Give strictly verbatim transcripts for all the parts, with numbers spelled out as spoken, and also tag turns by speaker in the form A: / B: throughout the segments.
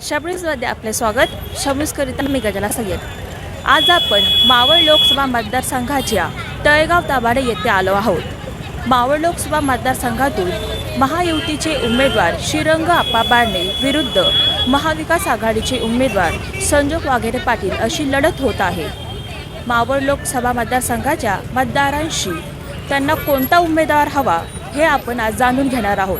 A: शबरीजमध्ये आपले स्वागत. शबरीजकरिता मी गजाला सय्यद. आज आपण मावळ लोकसभा मतदारसंघाच्या तळेगाव दाभाडे येथे आलो आहोत. मावळ लोकसभा मतदारसंघातून महायुतीचे उमेदवार श्रीरंग आप्पा बारणे विरुद्ध महाविकास आघाडीचे उमेदवार संजोग वाघेरे पाटील अशी लढत होत आहे. मावळ लोकसभा मतदारसंघाच्या मतदारांशी त्यांना कोणता उमेदवार हवा हे आपण आज जाणून घेणार आहोत.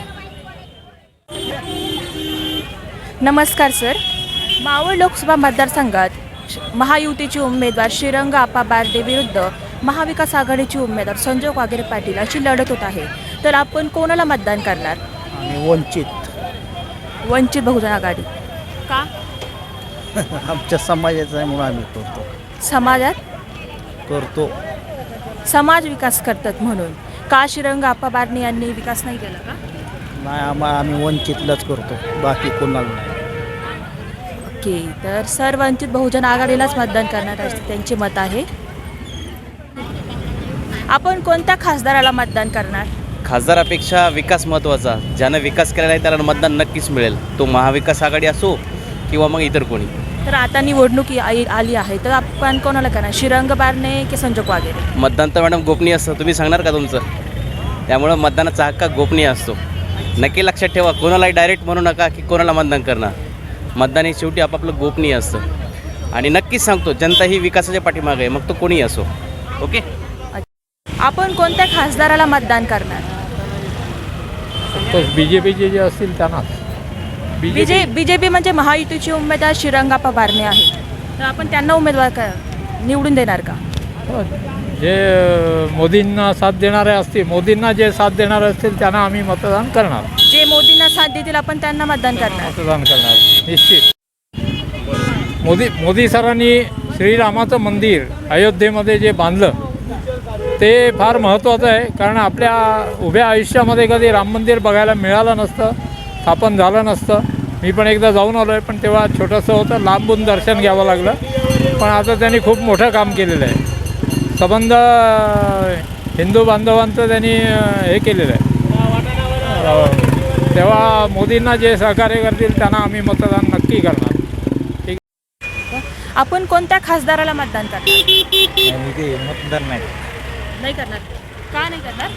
A: नमस्कार सर. मावळ लोकसभा मतदारसंघात महायुतीचे उमेदवार श्रीरंग आप्पा बारणे विरुद्ध महाविकास आघाडीचे उमेदवार संजोग वाघेरे पाटील अशी लढत होत आहे. तर आपण कोणाला मतदान करणार?
B: आणि वंचित
A: वंचित बहुजन आघाडी. का?
B: आमच्या समाजाचं आहे म्हणून आम्ही करतो
A: समाजात
B: करतो
A: समाज विकास करतात म्हणून. का श्रीरंग आप्पा बारणे यांनी विकास नाही केला का?
B: नाही आम्हा आम्ही वंचितलाच करतो, बाकी कोणाला नाही.
A: ओके, तर सर वंचित बहुजन आघाडीलाच मतदान करणार असते त्यांचे मत आहे. आपण कोणत्या खासदाराला मतदान करणार?
C: खासदारापेक्षा विकास महत्त्वाचा. ज्यानं विकास केलेला आहे त्याला मतदान नक्कीच मिळेल. तो महाविकास आघाडी असो किंवा मग इतर कोणी.
A: तर आता निवडणूक आली आली आहे, तर आपण कोणाला करणार? श्रीरंग बारणे की संजोग वाघेरे?
C: मतदान तर मॅडम गोपनीय असतं, तुम्ही सांगणार का तुमचं? त्यामुळं मतदानाचा हक्क गोपनीय असतो. नक्की लक्षात ठेवा, कोणालाही डायरेक्ट म्हणू नका की कोणाला मतदान करणार. मतदान हे शेवटी आपापलं गोपनीय असतं आणि नक्कीच सांगतो जनता ही विकासाच्या पाठीमागे आहे, मग तो कोणीही असो. ओके.
A: आपण कोणत्या खासदाराला मतदान करणार?
D: बी जे पीचे जे असतील त्यांनाच.
A: बीजे बीजेपी म्हणजे महायुतीचे उमेदवार श्रीरंग आप्पा बारणे आहे, तर आपण त्यांना उमेदवार का निवडून देणार का?
D: जे मोदींना साथ देणारे असतील, मोदींना जे साथ देणारे असतील त्यांना आम्ही मतदान करणार.
A: जे मोदींना साथ देतील आपण त्यांना मतदान करणार.
D: मतदान करणार निश्चित. मोदी मोदी सरांनी श्रीरामाचं मंदिर अयोध्येमध्ये जे बांधलं ते फार महत्त्वाचं आहे. कारण आपल्या उभ्या आयुष्यामध्ये कधी राम मंदिर बघायला मिळालं नसतं, स्थापन झालं नसतं. मी पण एकदा जाऊन आलो आहे, पण तेव्हा छोटंसं होतं, लांबून दर्शन घ्यावं लागलं. पण आता त्यांनी खूप मोठं काम केलेलं आहे. संबंध हिंदू बांधवांचं त्यांनी हे केलेलं आहे. तेव्हा मोदींना जे सहकार्य करतील त्यांना आम्ही मतदान नक्की करणार. ठीक.
A: आपण कोणत्या खासदाराला मतदान करणार?
B: मतदार नाही
A: नाही करणार. का नाही करणार?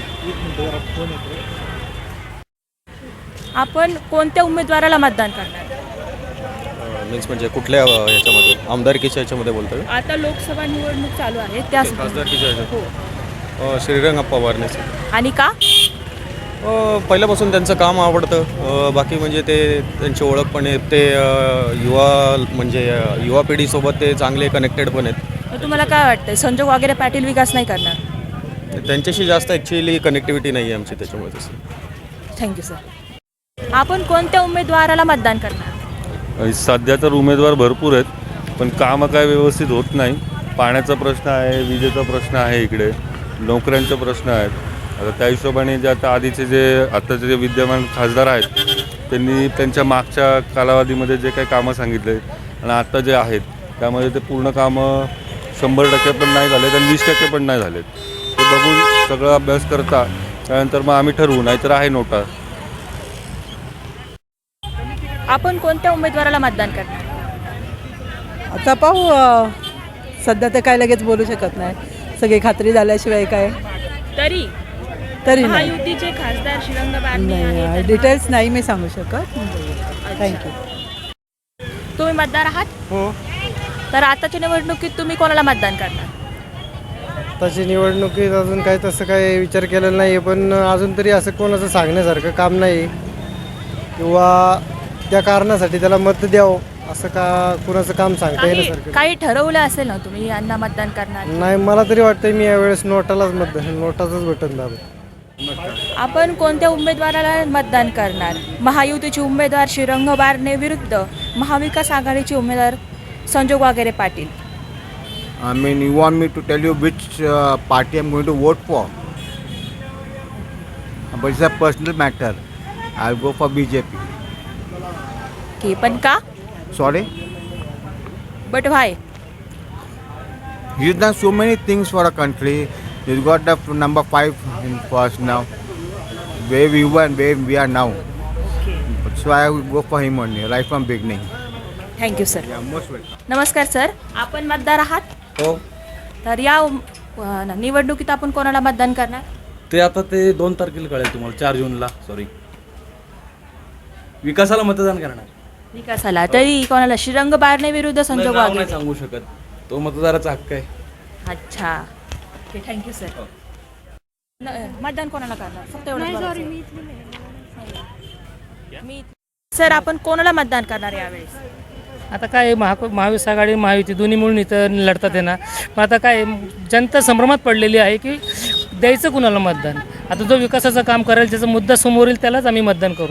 A: आपण कोणत्या उमेदवाराला मतदान करणार?
E: मीन्स म्हणजे कुठल्या ह्याच्यामध्ये, आमदारकीच्या ह्याच्यामध्ये बोलतोय?
A: आता लोकसभा निवडणूक चालू आहे त्या
E: खासदारकीच्या ह्याच्यात
A: हो.
E: श्रीरंग आप्पा बारणे.
A: आणि का?
E: पहिल्यापासून त्यांचं काम आवडतं. अ, बाकी म्हणजे ते त्यांची ओळख पण आहे. ते अ, युवा म्हणजे अ, युवा पिढीसोबत ते चांगले कनेक्टेड पण आहेत.
A: तर तुम्हाला काय वाटतं संजोग वाघेरे पाटील विकास नाही करणार?
E: त्यांच्याशी जास्त ॲक्च्युअली कनेक्टिव्हिटी नाही आहे आमची त्याच्यामुळे तसं.
A: Thank you sir. आपण कोणत्या उमेदवाराला मतदान करणार?
F: सध्या तर उमेदवार भरपूर आहेत, पण कामं काय व्यवस्थित होत नाही. पाण्याचा प्रश्न आहे, विजेचा प्रश्न आहे, इकडे नोकऱ्यांचे प्रश्न आहेत. आता त्या हिशोबाने जे आता आधीचे जे आत्ताचे जे विद्यमान खासदार आहेत त्यांनी त्यांच्या मागच्या कालावधीमध्ये जे काही कामं सांगितले आणि आत्ता जे आहेत त्यामध्ये ते पूर्ण कामं शंभर टक्के पण नाही झालेत आणि वीस टक्के पण नाही झालेत. ते बघून सगळं अभ्यास करता त्यानंतर मग आम्ही ठरवू, नाहीतर आहे नोटा.
A: आपण कोणत्या उमेदवाराला मतदान करणार?
G: आता पाहू. अ, सध्या तर काय लगेच बोलू शकत नाही, सगळी खात्री झाल्याशिवाय काय.
A: तरी
G: तरी नाही
A: महायुतीचे खासदार श्रीरंग बारणे आहेत,
G: नाही,
A: तर
G: डिटेल्स नाही मी सांगू शकत. थँक्यू.
A: तुम्ही मतदार आहात?
H: हो.
A: तर आताच्या निवडणुकीत तुम्ही कोणाला मतदान करणार?
H: आताची निवडणुकीत अजून काही तसं काही विचार केलेला नाही आहे, पण अजून तरी असं कोणाचं सांगण्यासारखं काम नाही किंवा त्या कारणासाठी त्याला मत द्यावं असं का कुणाचं काम सांगता
A: काही
H: येण्यासारखं
A: काही ठरवलं असेल ना तुम्ही यांना मतदान करणार?
H: नाही. मला तरी वाटतं मी यावेळेस नोटालाच मतदान नोटाचंच बटन दाबेन.
A: आपण कोणत्या उमेदवाराला मतदान करणार? महायुतीचे उमेदवार श्रीरंग बारणे विरुद्ध महाविकास आघाडीचे उमेदवार संजोग वाघेरे Patil.
I: I mean, you want me to tell you which uh, party I'm going to vote for? But it's a personal matter. I'll go for B J P.
A: की पण का?
I: Sorry?
A: But why?
I: He's done so many things for a country. He's got the f- number five in first now. Where we were and where we are now. So I will go for him only, right from beginning.
A: Thank you sir.
I: Yeah, most welcome.
A: नमस्कार sir, आपण मतदार आहात?
J: हो,
A: तर या अ, निवडणुकीत आपण कोणाला मतदान करणार?
J: ते आता ते दोन तारखेला कळेल तुम्हाला, चार जूनला. सॉरी, विकासाला मतदान करणार.
A: विकासाला तरी कोणाला? श्रीरंग बारणे विरुद्ध
J: नाही,
A: संजोग
J: नाव
A: वाघेरे.
J: नाही सांगू शकत, तो मतदाराचा हक्क आहे.
A: अच्छा, ओके, थँक्यू सर. न- मतदान कोणाला करणार? फक्त एवढं मी. सर, आपण कोणाला मतदान करणार यावेळेस?
K: आता काय महा महाविकास आघाडी महायुती दोन्ही मिळून इथं लढतात आहे ना. मग आता काय जनता संभ्रमात पडलेली आहे की द्यायचं कुणाला मतदान. आता जो विकासाचं काम करेल, त्याचा मुद्दा समोर येईल, त्यालाच आम्ही मतदान करू.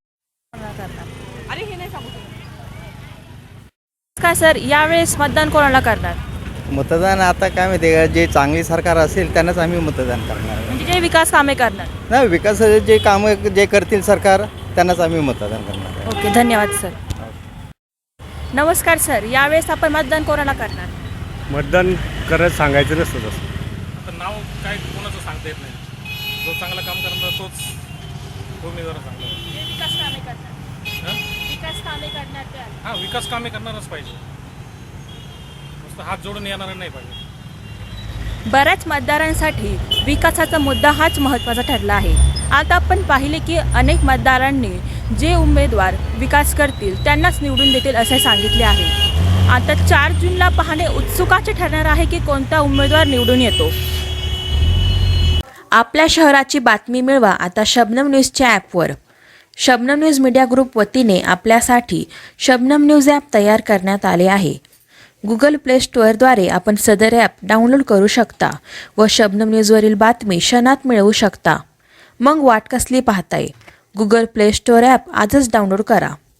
A: काय सर, यावेळेस मतदान कोणाला करणार?
B: मतदान आता काय माहिती का, जे चांगली सरकार असेल त्यांनाच आम्ही मतदान करणार.
A: म्हणजे जे विकास कामे करणार.
B: नाही, विकासाचे जे कामं जे करतील सरकार त्यांनाच आम्ही मतदान करणार.
A: ओके, धन्यवाद सर. नमस्कार सर, यावेळेस आपण मतदान कोणाला करणार?
H: मतदान करत सांगायचं नसतं तसं.
D: आता नाव काय कोणाचं सांगता येत नाही. जो चांगलं काम करणार तोच उमेदवार चांगला.
A: विकास कामे करणार. विकास कामे करणार ते.
D: हां, विकास कामे करणारच पाहिजे. नुसतं हात जोडून येणार नाही पाहिजे.
A: बऱ्याच मतदारांसाठी विकासाचा मुद्दा हाच महत्त्वाचा ठरला आहे. आता आपण पाहिले की अनेक मतदारांनी जे उमेदवार विकास करतील त्यांनाच निवडून देतील असे सांगितले आहे. आता चार जूनला पाहणे उत्सुकाचे ठरणार आहे की कोणता उमेदवार निवडून येतो. आपल्या शहराची बातमी मिळवा आता शबनम न्यूजच्या ॲपवर. शबनम न्यूज मीडिया ग्रुप वतीने आपल्यासाठी शबनम न्यूज ॲप तयार करण्यात आले आहे. गुगल प्ले स्टोअरद्वारे आपण सदर ॲप डाउनलोड करू शकता व शबनम न्यूजवरील बातमी क्षणात मिळवू शकता. मग वाट कसली पाहताय? गुगल प्ले स्टोअर ॲप आजच डाउनलोड करा.